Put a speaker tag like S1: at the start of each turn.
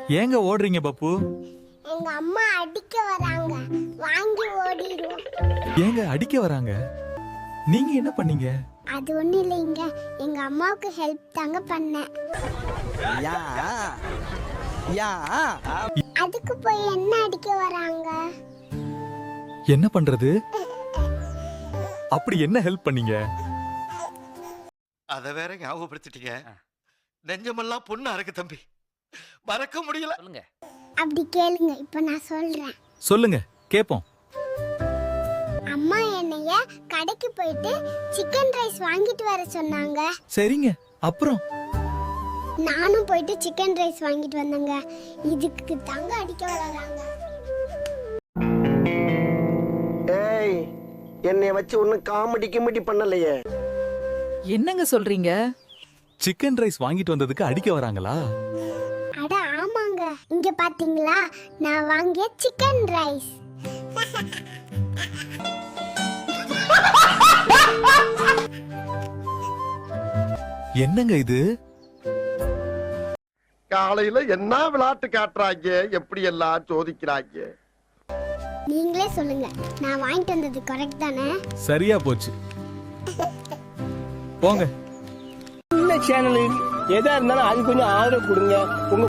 S1: ஏங்க ஓடுறீங்க பப்பு?
S2: எங்க அம்மா அடிக்க வராங்க, வாங்கி ஓடிடுவோம்.
S1: ஏங்க அடிக்க வராங்க? நீங்க என்ன பண்ணீங்க?
S2: அது ஒண்ணும் இல்லைங்க, எங்க அம்மாவுக்கு ஹெல்ப் தாங்க பண்ணேன்.
S3: யா யா
S2: அதுக்கு போய் என்ன அடிக்க வராங்க?
S1: என்ன பண்றது? அப்படி என்ன ஹெல்ப் பண்ணீங்க?
S4: அத வேற ஞாபகப்படுத்திட்டீங்க. நெஞ்சமெல்லாம் பொண்ணு அறக்கு தம்பி, மறக்க முடியல.
S5: சொல்லுங்க.
S2: அப்படி கேளுங்க, இப்ப நான் சொல்றேன்.
S1: சொல்லுங்க, கேப்போம்.
S2: அம்மா என்னைய கடைக்கு போயிட்டு சிக்கன் ரைஸ் வாங்கிட்டு வர சொன்னாங்க.
S1: சரிங்க, அப்புறம்?
S2: நானும் போயிட்டு சிக்கன் ரைஸ் வாங்கிட்டு வந்தேங்க. இதுக்கு தாங்க அடிக்க வராங்க.
S3: ஏய், என்னைய வச்சு ஒன்னும் காமெடி பண்ணலையே.
S6: என்னங்க சொல்றீங்க?
S1: சிக்கன் ரைஸ் வாங்கிட்டு வந்ததுக்கு அடிக்க வராங்களா?
S2: அட ஆமாங்க, இங்க பாத்தீங்களா நான் வாங்கிய சிக்கன் ரைஸ்.
S1: என்னங்க இது?
S7: காலையில என்ன விளையாட்டு காட்டுறாங்க, எப்படி எல்லாம் சோதிக்கிறாங்க.
S2: நீங்களே சொல்லுங்க, நான் வாங்கிட்டு வந்தது கரெக்ட் தானே?
S1: சரியா போச்சு. போங்க.
S8: சேனல் எதா இருந்தாலும் அது கொஞ்சம் ஆதரவு கொடுங்க. உங்க